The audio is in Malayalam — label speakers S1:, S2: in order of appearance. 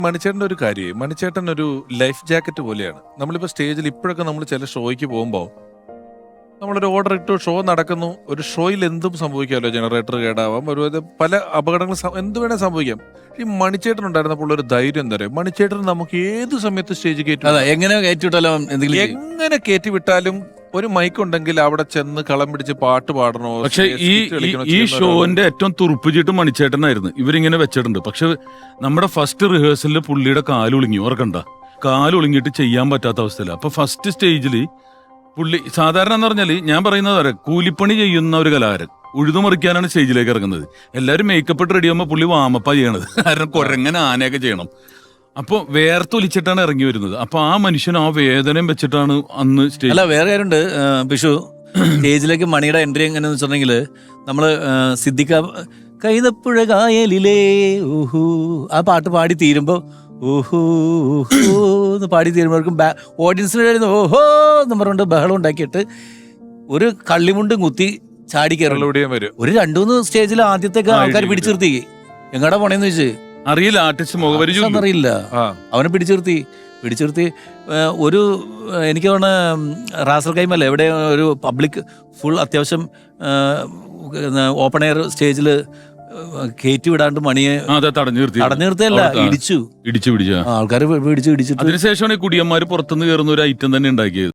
S1: മണിച്ചേട്ടൻ്റെ ഒരു കാര്യം, മണിച്ചേട്ടൻ ഒരു ലൈഫ് ജാക്കറ്റ് പോലെയാണ്. നമ്മളിപ്പോൾ സ്റ്റേജിൽ ഇപ്പോഴൊക്കെ നമ്മൾ ചില ഷോയ്ക്ക് പോകുമ്പോൾ നമ്മളൊരു ഓർഡർ ഇട്ടു, ഷോ നടക്കുന്നു. ഒരു ഷോയിൽ എന്തും സംഭവിക്കാമല്ലോ, ജനറേറ്റർ കേടാവാം, ഒരു പല അപകടങ്ങൾ എന്ത് വേണേൽ സംഭവിക്കാം. ഈ മണിച്ചേട്ടൻ ഉണ്ടായിരുന്നപ്പോൾ ഒരു ധൈര്യം എന്താ പറയുക, മണിച്ചേട്ടൻ നമുക്ക് ഏത് സമയത്ത് സ്റ്റേജ്
S2: എങ്ങനെ
S1: എങ്ങനെ കയറ്റി വിട്ടാലും ഒരു മൈക്ക് ഉണ്ടെങ്കിൽ അവിടെ ചെന്ന് കളം പിടിച്ച് പാട്ട് പാടണോ.
S3: പക്ഷെ ഈ ഷോന്റെ ഏറ്റവും തുറുപ്പിച്ചിട്ട് മണിച്ചേട്ടനായിരുന്നു ഇവരിങ്ങനെ വെച്ചിട്ടുണ്ട്. പക്ഷെ നമ്മുടെ ഫസ്റ്റ് റിഹേഴ്സലിൽ പുള്ളിയുടെ കാലൊളിങ്ങി, ഓർക്കണ്ട, കാലൊളിങ്ങിട്ട് ചെയ്യാൻ പറ്റാത്ത അവസ്ഥയില്ല. അപ്പൊ ഫസ്റ്റ് സ്റ്റേജിൽ പുള്ളി സാധാരണ എന്ന് പറഞ്ഞാല് ഞാൻ പറയുന്നത് വരെ കൂലിപ്പണി ചെയ്യുന്ന ഒരു കലാകാരൻ ഉഴുതുമറിക്കാനാണ് സ്റ്റേജിലേക്ക് ഇറങ്ങുന്നത്. എല്ലാവരും മേക്കപ്പ് ഇട്ട് റെഡി ആകുമ്പോൾ പുള്ളി വാമപ്പാ ചെയ്യണത്. കാരണം കുരങ്ങനെ ആനയൊക്കെ ചെയ്യണം. അപ്പൊ വേർത്തൊലിച്ചിട്ടാണ് ഇറങ്ങി വരുന്നത്. അപ്പൊ ആ മനുഷ്യൻ ആ വേദനയും വെച്ചിട്ടാണ് അന്ന് സ്റ്റേജ്.
S2: അല്ല, വേറെ കാര്യമുണ്ട് പിഷു. സ്റ്റേജിലേക്ക് മണിയുടെ എൻട്രി എങ്ങനെയാന്ന് വെച്ചിട്ടുണ്ടെങ്കിൽ നമ്മള് സിദ്ദിഖ കൈതപ്പുഴ കായലിലേ ഊഹു ആ പാട്ട് പാടി തീരുമ്പോ ഊഹു ഊഹു എന്ന് പാടി തീരുമ്പോഴേക്കും ഓഡിയൻസിന് ഓഹോ എന്ന് പറഞ്ഞുകൊണ്ട് ബഹളം ഉണ്ടാക്കിയിട്ട് ഒരു കള്ളിമുണ്ടും കുത്തി ചാടി കയറും. ഒരു 2-3 സ്റ്റേജിൽ ആദ്യത്തേക്ക് ആൾക്കാർ പിടിച്ചു നിർത്തി. എങ്ങടാ പോണേന്ന് ചോദിച്ചു.
S3: അറിയില്ല, ആർട്ടിസ്റ്റ് മുഖപരിചയം
S2: അറിയില്ല. അവനെ പിടിച്ചു നിർത്തി ഒരു എനിക്ക് തോന്നുന്ന റാസൽ കൈമല്ല എവിടെ ഒരു പബ്ലിക് ഫുൾ അത്യാവശ്യം ഓപ്പൺ എയർ സ്റ്റേജിൽ കയറ്റി വിടാണ്ട് മണിയെ തടഞ്ഞു നിർത്തിയല്ല, ഇടിച്ചു.
S3: ആൾക്കാർ
S2: പിടിച്ചു ഇടിച്ചിട്ട്
S3: അതിനുശേഷമാണ് ഈ കുടിയന്മാര് പുറത്തുനിന്ന് കയറുന്ന ഒരു ഐറ്റം തന്നെ ഉണ്ടാക്കിയത്.